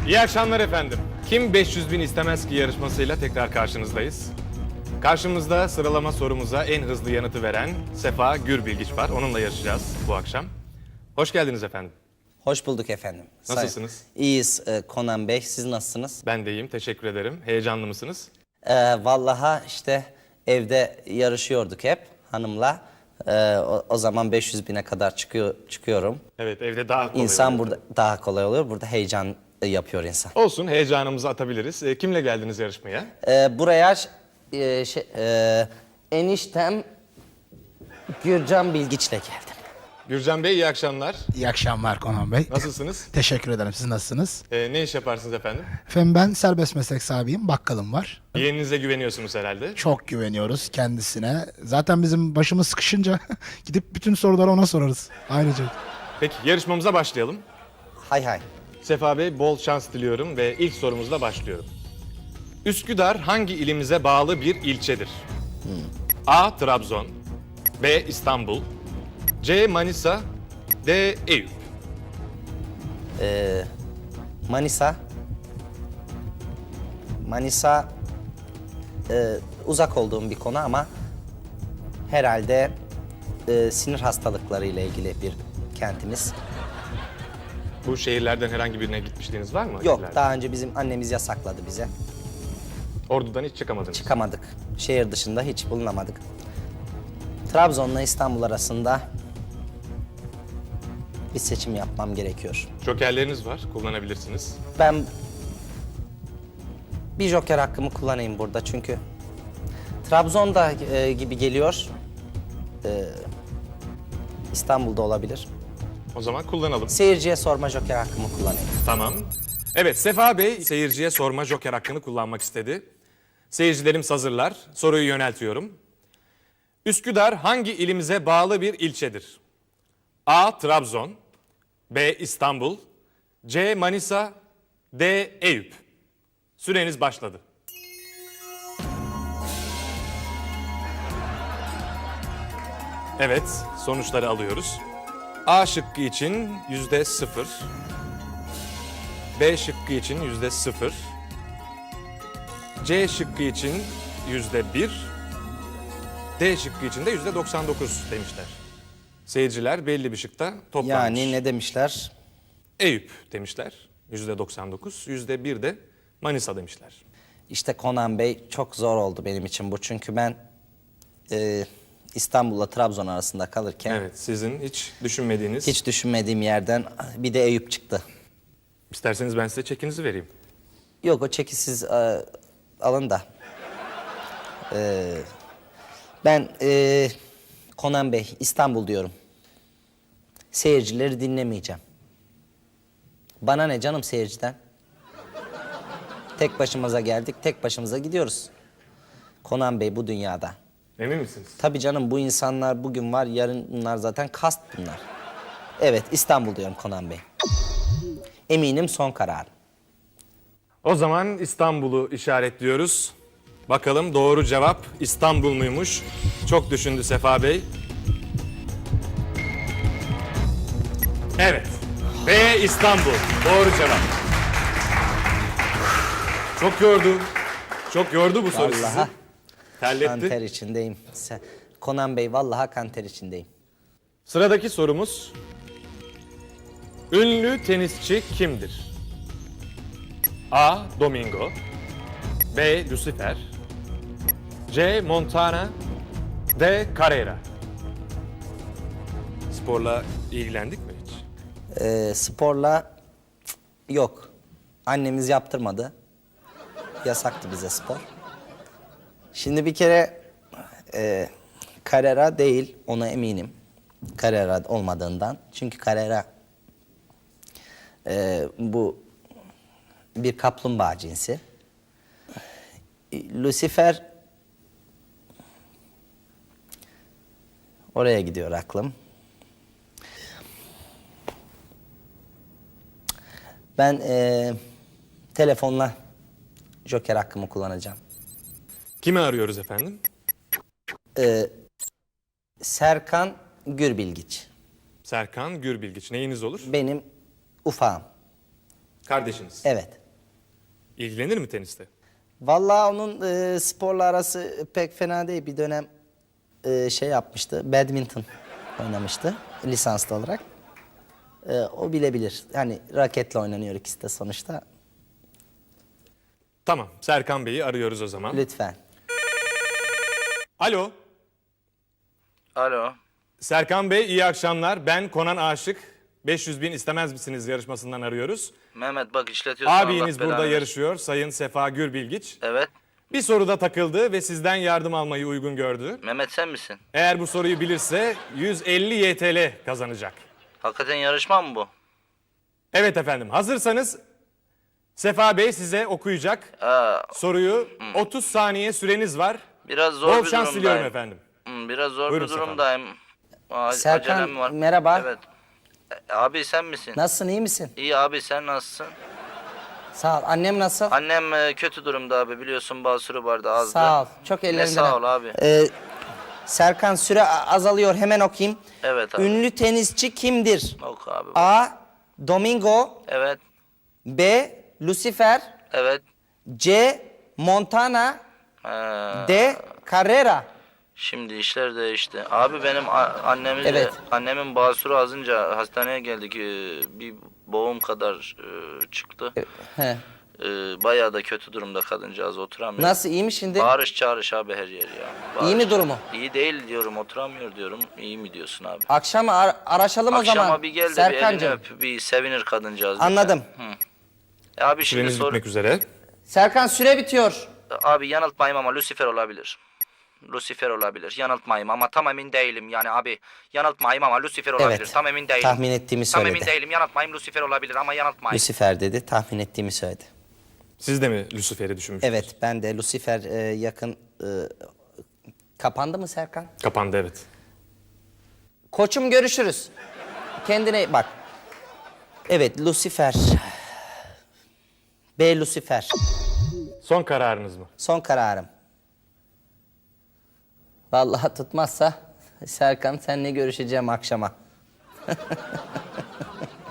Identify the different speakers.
Speaker 1: İyi akşamlar efendim. Kim 500 bin istemez ki yarışmasıyla tekrar karşınızdayız. Karşımızda sıralama sorumuza en hızlı yanıtı veren Sefa Gürbilgiç var. Onunla yarışacağız bu akşam. Hoş geldiniz efendim.
Speaker 2: Hoş bulduk efendim.
Speaker 1: Nasılsınız?
Speaker 2: İyiyiz Konan Bey. Siz nasılsınız?
Speaker 1: Ben de iyiyim, teşekkür ederim. Heyecanlı mısınız?
Speaker 2: Vallahi işte evde yarışıyorduk hep hanımla. O zaman 500 bine kadar çıkıyorum.
Speaker 1: Evet, evde daha kolay
Speaker 2: İnsan
Speaker 1: oluyor.
Speaker 2: burada daha kolay oluyor. Burada heyecan yapıyor insan.
Speaker 1: Olsun, heyecanımızı atabiliriz. Kimle geldiniz yarışmaya?
Speaker 2: Buraya eniştem Gürcan Bilgiç'le geldim.
Speaker 1: Gürcan Bey, iyi akşamlar.
Speaker 3: İyi akşamlar Konan Bey.
Speaker 1: Nasılsınız?
Speaker 3: Teşekkür ederim. Siz nasılsınız?
Speaker 1: Ne iş yaparsınız efendim?
Speaker 3: Efendim ben serbest meslek sahibiyim. Bakkalım var.
Speaker 1: Yeğeninize güveniyorsunuz herhalde.
Speaker 3: Çok güveniyoruz kendisine. Zaten bizim başımız sıkışınca gidip bütün soruları ona sorarız. Ayrıca.
Speaker 1: Peki, yarışmamıza başlayalım.
Speaker 2: Hay hay.
Speaker 1: Sefa Bey, bol şans diliyorum ve ilk sorumuzla başlıyorum. Üsküdar hangi ilimize bağlı bir ilçedir? A. Trabzon, B. İstanbul, C. Manisa, D. Eyüp.
Speaker 2: Manisa. Manisa uzak olduğum bir konu ama herhalde sinir hastalıkları ile ilgili bir kentimiz.
Speaker 1: Bu şehirlerden herhangi birine gitmişliğiniz var mı?
Speaker 2: Yok,
Speaker 1: İleride.
Speaker 2: daha önce bizim annemiz yasakladı bize.
Speaker 1: Ordu'dan hiç çıkamadınız.
Speaker 2: Çıkamadık. Şehir dışında hiç bulunamadık. Trabzon'la İstanbul arasında bir seçim yapmam gerekiyor.
Speaker 1: Jokerleriniz var, kullanabilirsiniz.
Speaker 2: Ben bir joker hakkımı kullanayım burada çünkü Trabzon'da gibi geliyor. İstanbul'da olabilir.
Speaker 1: O zaman kullanalım.
Speaker 2: Seyirciye sorma joker hakkımı kullanayım.
Speaker 1: Tamam. Evet, Sefa Bey seyirciye sorma joker hakkını kullanmak istedi. Seyircilerimiz hazırlar. Soruyu yöneltiyorum. Üsküdar hangi ilimize bağlı bir ilçedir? A. Trabzon, B. İstanbul, C. Manisa, D. Eyüp. Süreniz başladı. Evet, sonuçları alıyoruz. A şıkkı için %0, B şıkkı için %0, C şıkkı için %1, D şıkkı için de %99 demişler. Seyirciler belli bir şıkta toplanmış.
Speaker 2: Yani ne demişler?
Speaker 1: Eyüp demişler, %99, %1 de Manisa demişler.
Speaker 2: İşte Konan Bey, çok zor oldu benim için bu. Çünkü ben İstanbul'la Trabzon arasında kalırken
Speaker 1: Evet, sizin hiç düşünmediğiniz...
Speaker 2: hiç düşünmediğim yerden bir de Eyüp çıktı.
Speaker 1: İsterseniz ben size çekinizi vereyim.
Speaker 2: Yok, o çeki siz alın da. Ben Konan Bey, İstanbul diyorum. Seyircileri dinlemeyeceğim. Bana ne canım seyirciden? Tek başımıza geldik, tek başımıza gidiyoruz. Konan Bey bu dünyada.
Speaker 1: Emin misiniz?
Speaker 2: Tabii canım, bu insanlar bugün var, yarın bunlar zaten kast bunlar. Evet, İstanbul diyorum Konan Bey. Eminim son kararım.
Speaker 1: O zaman İstanbul'u işaretliyoruz. Bakalım doğru cevap İstanbul muymuş? Çok düşündü Sefa Bey. Evet. B. İstanbul. Doğru cevap. Çok yordu. Çok yordu bu soru sizi.
Speaker 2: Vallahi
Speaker 1: Terletti.
Speaker 2: kanter içindeyim. Konan Bey, vallahi kanter içindeyim.
Speaker 1: Sıradaki sorumuz. Ünlü tenisçi kimdir? A. Domingo, B. Lucifer, C. Montana, D. Carrera. Sporla ilgilendik mi hiç?
Speaker 2: Sporla yok. Annemiz yaptırmadı. Yasaktı bize spor. Şimdi bir kere Carrera değil, ona eminim. Carrera olmadığından. Çünkü Carrera bu bir kaplumbağa cinsi. Lucifer oraya gidiyor aklım. Ben telefonla joker hakkımı kullanacağım.
Speaker 1: Kimi arıyoruz efendim?
Speaker 2: Serkan Gürbilgiç.
Speaker 1: Serkan Gürbilgiç. Neyiniz olur?
Speaker 2: Benim ufağım.
Speaker 1: Kardeşiniz.
Speaker 2: Evet.
Speaker 1: İlgilenir mi teniste?
Speaker 2: Vallahi onun sporla arası pek fena değil. Bir dönem şey yapmıştı. Badminton oynamıştı lisanslı olarak. O bilebilir. Hani raketle oynanıyor ikisi de sonuçta.
Speaker 1: Tamam. Serkan Bey'i arıyoruz o zaman.
Speaker 2: Lütfen.
Speaker 1: Alo.
Speaker 4: Alo.
Speaker 1: Serkan Bey iyi akşamlar. Ben Konan Aşık. 500 bin istemez misiniz yarışmasından arıyoruz.
Speaker 4: Mehmet bak işletiyorsun.
Speaker 1: Abiniz
Speaker 4: Allah
Speaker 1: burada
Speaker 4: belanı
Speaker 1: yarışıyor. Sayın Sefa Gürbilgiç.
Speaker 4: Evet.
Speaker 1: Bir soruda takıldı ve sizden yardım almayı uygun gördü.
Speaker 4: Mehmet sen misin?
Speaker 1: Eğer bu soruyu bilirse 150 YTL kazanacak.
Speaker 4: Hakikaten yarışma mı bu?
Speaker 1: Evet efendim. Hazırsanız Sefa Bey size okuyacak soruyu. 30 saniye süreniz var.
Speaker 4: Biraz zor
Speaker 1: Bol
Speaker 4: bir
Speaker 1: şans
Speaker 4: durumdayım.
Speaker 1: diliyorum efendim.
Speaker 4: Biraz zor
Speaker 1: Buyurun
Speaker 4: bir durumdayım.
Speaker 2: Serkan,
Speaker 4: Acelem var.
Speaker 2: merhaba.
Speaker 4: Evet. Abi sen misin?
Speaker 2: Nasılsın, iyi misin?
Speaker 4: İyi abi sen nasılsın?
Speaker 2: Sağ ol. Annem nasıl?
Speaker 4: Annem kötü durumda abi biliyorsun basuru vardı azdı.
Speaker 2: Sağ ol. Çok
Speaker 4: Ne
Speaker 2: ellerinden.
Speaker 4: sağ ol abi.
Speaker 2: Serkan, süre azalıyor. Hemen okuyayım.
Speaker 4: Evet abi.
Speaker 2: Ünlü tenisçi kimdir?
Speaker 4: Oku abi.
Speaker 2: A. Domingo.
Speaker 4: Evet.
Speaker 2: B. Lucifer.
Speaker 4: Evet.
Speaker 2: C. Montana.
Speaker 4: Ee,
Speaker 2: D. Carrera.
Speaker 4: Şimdi işler değişti. Abi benim
Speaker 2: Evet.
Speaker 4: annemin basuru azınca hastaneye geldik. Bir boğum kadar çıktı.
Speaker 2: He.
Speaker 4: Bayağı da kötü durumda kadıncağız oturamıyor.
Speaker 2: Nasıl, iyi mi şimdi?
Speaker 4: Bağırış çağırış abi her yer ya.
Speaker 2: İyi mi durumu?
Speaker 4: İyi değil diyorum oturamıyor diyorum. İyi mi diyorsun abi?
Speaker 2: Akşam araşalım o zaman.
Speaker 4: Akşama bir gel de bir elini
Speaker 2: Serkancığım.
Speaker 4: öp. Bir sevinir kadıncağız.
Speaker 2: Anladım.
Speaker 4: Abi şimdi
Speaker 1: Süreniz bitmek üzere.
Speaker 2: Serkan, süre bitiyor.
Speaker 4: Abi yanıltmayayım ama Lucifer olabilir. Lucifer olabilir. Yanıltmayayım ama tam emin değilim. Yani abi yanıltmayayım ama Lucifer olabilir.
Speaker 2: Evet.
Speaker 4: Tam emin değilim.
Speaker 2: Tahmin ettiğimi
Speaker 4: Tam
Speaker 2: söyledi.
Speaker 4: emin değilim. Yanıltmayayım Lucifer olabilir ama yanıltmayayım.
Speaker 2: Lucifer dedi. Tahmin ettiğimi söyledi.
Speaker 1: Siz de mi Lucifer'i düşünmüştünüz?
Speaker 2: Evet, ben de Lucifer yakın... kapandı mı Serkan?
Speaker 1: Kapandı evet.
Speaker 2: Koçum, görüşürüz. Kendine bak. Evet, Lucifer. B. Lucifer.
Speaker 1: Son kararınız mı?
Speaker 2: Son kararım. Vallahi tutmazsa Serkan, seninle görüşeceğim akşama.